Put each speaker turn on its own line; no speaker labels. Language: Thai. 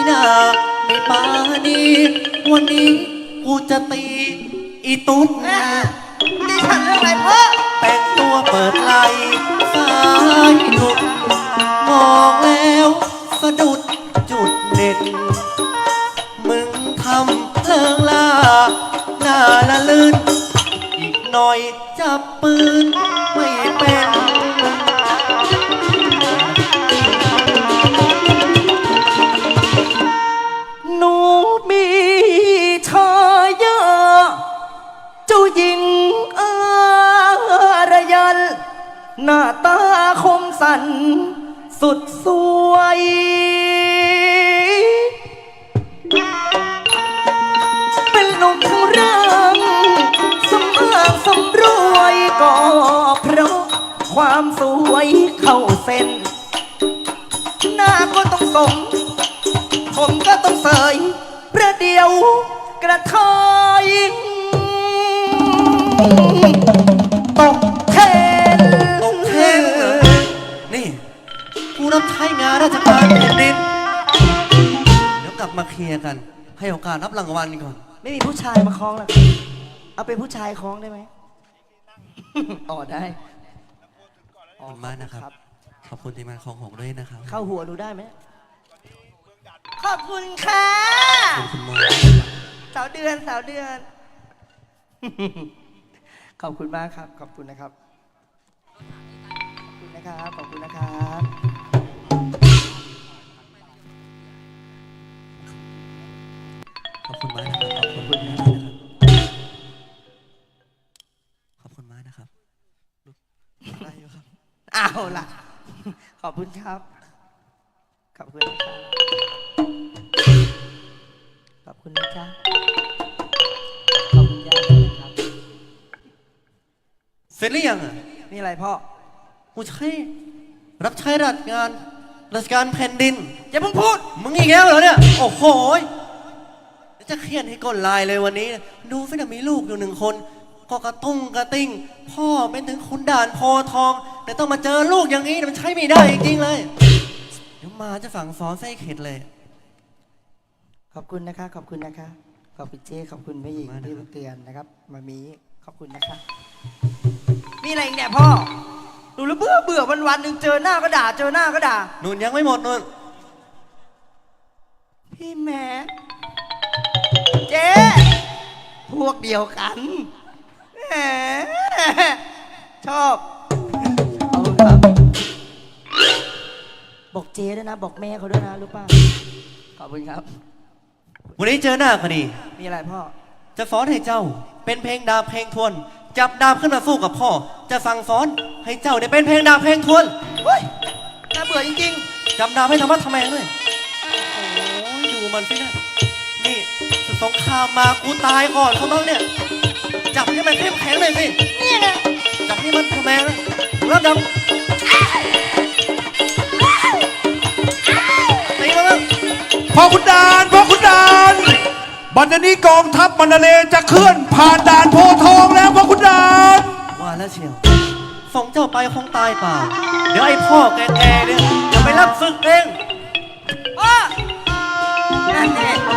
นาไม่ปานีวันนี้กูจะตีอีตุ๊ด
ดิฉันเรื่องอะไรพ่อ
แต่งตัวเปิดไหลสายหลุดมองแล้วสะดุดจุดเด่นมึงทำเลิงล่าหน้าละลื่นอีกหน่อยจับปืนไม่เป็นหนูมีชายาเจ้าหญิงอารยันหน้าตาคมสันสุดสวยเป็นหนุ่มเรื่องสำอางสำรวยก็เพราะความสวยเข้าเส้นหน้าก็ต้องสมผมก็ต้องเสยประเดี๋ยวกระเทยตกเทนนี่กูรับใช้งานราชการแผ่นดินเดี๋ยวกลับมาเคลียร์กันให้โอกาสรับรางวัลก่อน
ไม่มีผู้ชายมาคล้องหรอกเอาเป็นผู้ชายคล้องได้ไหมอ๋อได้
ขอบคุณมากนะครับขอบคุณทีมงานของหงด้วยนะครับ
เข้าหัวดูได้ไหมขอบคุณค่ะ
ขอบคุณมาก
สาวเดือนขอบคุณมากครับขอบคุณนะครับขอบคุณนะครับ
ขอบคุณมากนะครับขอบคุณมากนะครับขอบคุณมากนะครับได้อยู่ครับ
เอาล่ะขอบคุณครับขอบคุณนะครับขอบคุณนะจ๊ะขอบคุณย่าด้วยนะครับ
เสร็จหรือยังอ่ะ
นี่อะไรพ่อ
กูใช้รับใช้ราชการแผ่นดิน
อย่าเพิ่งพูด
มึงอีกแล้วเหรอเนี่ยโอ้โหจะเครียดให้ก้นลายเลยวันนี้ดูฟินะมีลูกอยู่1 คนก็กระติ้งพ่อเป็นถึงขุนด่านโพทองแต่ต้องมาเจอลูกอย่างนี้มันใช้ไม่ได้จริงๆเลยเดี๋ยวมาจะสั่งสอนไส้เข็ดเลย
ขอบคุณนะคะขอบคุณนะคะขอบคุณเจ๊ขอบคุณแม่หญิงที่เตือนนะครับมามีขอบคุณนะคะมีอะไรอีกเนี่ยพ่อดูแล้วเบื่อวันๆหนึ่งเจอหน้าก็ด่า
นุ่นยังไม่หมดนุ่น
พี่แม่เจ๊พวกเดียวกันแหมชอบเอาครับบอกเจ๊ด้วยนะบอกแม่เขาด้วยนะรู้ป่ะขอบคุณครับ
วันนี้เจอหน้ากันดี
มีอะไรพ่อ
จะสอนให้เจ้าเป็นเพลงดาบเพลงทวนจับดาบขึ้นมาสู้กับพ่อจะสั่งสอนให้เจ้าได้เป็นเพลงดาบเพลงทวน
เฮ้ยน่าเบื่อจริง
ๆจับดาบให้ธรรมะทำแมงเลยโอ้ยดูมันสินะนี่สงครามมากูตายก่อนเขาบ้างเนี่ยจับให้มันเข้มแข็งเลยสิ
นี่นะ
จับให้มันทำแมงนะรับดำตีมาบ้าง
พ่อขุนด่านบัดนี้กองทัพมันเลจะเคลื่อนผ่านด่านโพทองแล้วพ่อขุนด่าน
ว่าแล้วเชียวส่งเจ้าไปคงตายเปล่าเดี๋ยวไอ้พ่อแก่ๆเนี่ยจะไปรับศึกเอง
นั่นเอง